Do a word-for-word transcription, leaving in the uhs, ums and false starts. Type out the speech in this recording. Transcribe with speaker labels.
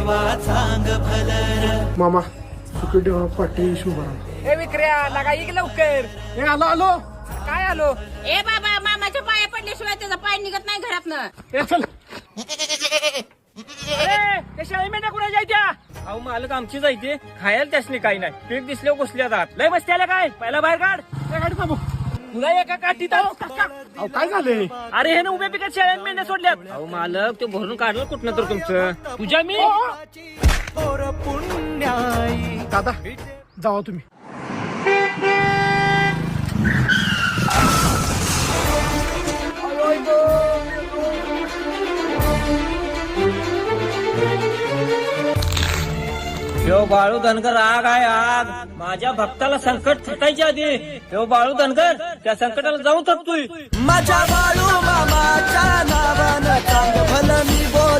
Speaker 1: देवा चांग भलर.
Speaker 2: मामा सुखदेव पाटील शुभाराम.
Speaker 3: ए विक्र्या लागा इक लवकर.
Speaker 2: ए आलो आलो.
Speaker 3: काय आलो?
Speaker 4: ए बाबा मामाच्या पाया पडल्याशिवाय त्याचा पाय निघत नाही घरातनं.
Speaker 2: ए चल.
Speaker 3: अरे त्या शाळी मेंढ्या कुणाच्या आहेत त्या? अहो मालक आमची जायते खायला त्यासनी काही नाही. पीक दिसले घुसल्या जात लय मस्ती आल्या काय पहिला बाहेर काढ.
Speaker 2: ए, गाडी थांबव.
Speaker 3: तुला एका काठीत
Speaker 2: अहो काय झालंय?
Speaker 3: अरे हे ना उभ्या पिकात शेळ्या मेंढ्या सोडल्यात. अहो मालक ते भरून काढलं कुठनं तर तुमचं तुझ्या मी
Speaker 1: थोर पुण्याई.
Speaker 2: दादा जावा तुम्ही.
Speaker 3: यो बाळू धनगर आग आहे आग. माझ्या भक्ताला संकट थटायच्या आधी यो बाळू धनगर त्या संकटाला जाऊन थकतोय.
Speaker 1: माझ्या बाळू मामाच्या नावानं चांग भलं मी बोल.